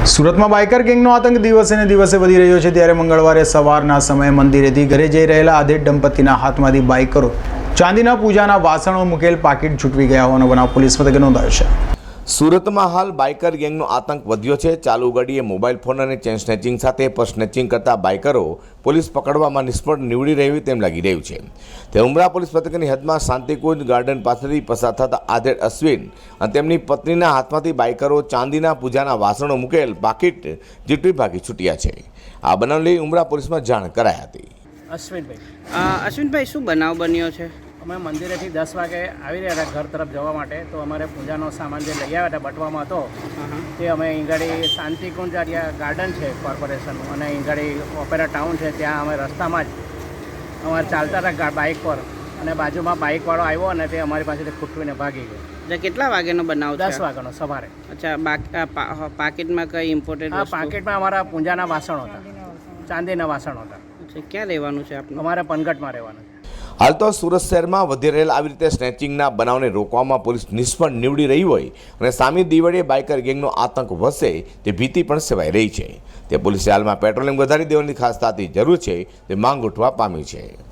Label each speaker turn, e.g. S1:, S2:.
S1: સુરતમાં બાઇકર ગેંગનો આતંક દિવસે ને દિવસે વધી રહ્યો છે ત્યારે મંગળવારે સવારના સમયે મંદિરેથી ઘરે જઈ રહેલા આધેડ દંપતીના હાથમાંથી બાઇકરો ચાંદીના પૂજાના વાસણો મૂકેલ પાકીટ છૂટવી ગયા હોવાનો બનાવ પોલીસ મથકે નોંધાયો છે।
S2: સુરતમાં હાલ બાઇકર ગેંગનો આતંક વધ્યો છે। ચાલુ ઘડીએ મોબાઈલ ફોન અને ચેન સ્નેચિંગ સાથે પર્સ સ્નેચિંગ કરતા બાઇકરો પોલીસ પકડવામાં નિષ્ફળ નીવડી રહ્યું તેમ લાગી રહ્યું છે। તે ઉમરા પોલીસ મથકની હદમાં શાંતિકુંજ ગાર્ડન પાસેથી પસાર થતા આધેડ અશ્વિન અને તેમની પત્નીના હાથમાંથી બાઇકરો ચાંદીના પૂજાના વાસણો મૂકેલ પાકીટ ઝીટવી ભાગી છૂટ્યા છે। આ બનાવ લઈ ઉમરા પોલીસમાં જાણ કરાઈ હતી।
S3: અશ્વિનભાઈ શું બનાવ બન્યો છે?
S4: અમે મંદિરેથી 10 વાગે આવી રહ્યા હતા ઘર તરફ જવા માટે, તો અમારે પૂજાનો સામાન જે લઈ આવ્યા હતા બટવામાં હતો તે અમે ઈંગાડી શાંતિકુંજ ગાર્ડન છે કોર્પોરેશનનું અને ઈંગાડી ઓપેરા ટાઉન છે, ત્યાં અમે રસ્તામાં જ અમારે ચાલતા હતા બાઇક પર અને બાજુમાં બાઇકવાળો આવ્યો અને તે અમારી પાસેથી ખૂટવીને ભાગી ગયો।
S3: એટલે કેટલા વાગ્યાનો બનાવ છે?
S4: 10 વાગ્યાનો સવારે।
S3: અચ્છા, પાકીટમાં કઈ ઇમ્પોર્ટન્ટ?
S4: આ પાકીટમાં અમારા પૂજાના વાસણો હતા, ચાંદીના વાસણો હતા।
S3: ક્યાં રહેવાનું છે આપનું?
S4: અમારે પનગટમાં રહેવાનું છે।
S2: હાલ તો સુરત શહેરમાં વધી રહેલા આવી રીતે સ્નેચિંગના બનાવને રોકવામાં પોલીસ નિષ્ફળ નીવડી રહી હોય અને સામી દિવાળીએ બાઇકર ગેંગનો આતંક વધશે તે ભીતિ પણ સેવાઈ રહી છે। તે પોલીસે હાલમાં પેટ્રોલિંગ વધારી દેવાની ખાસ તાતી જરૂર છે તે માંગ ઉઠવા પામી છે।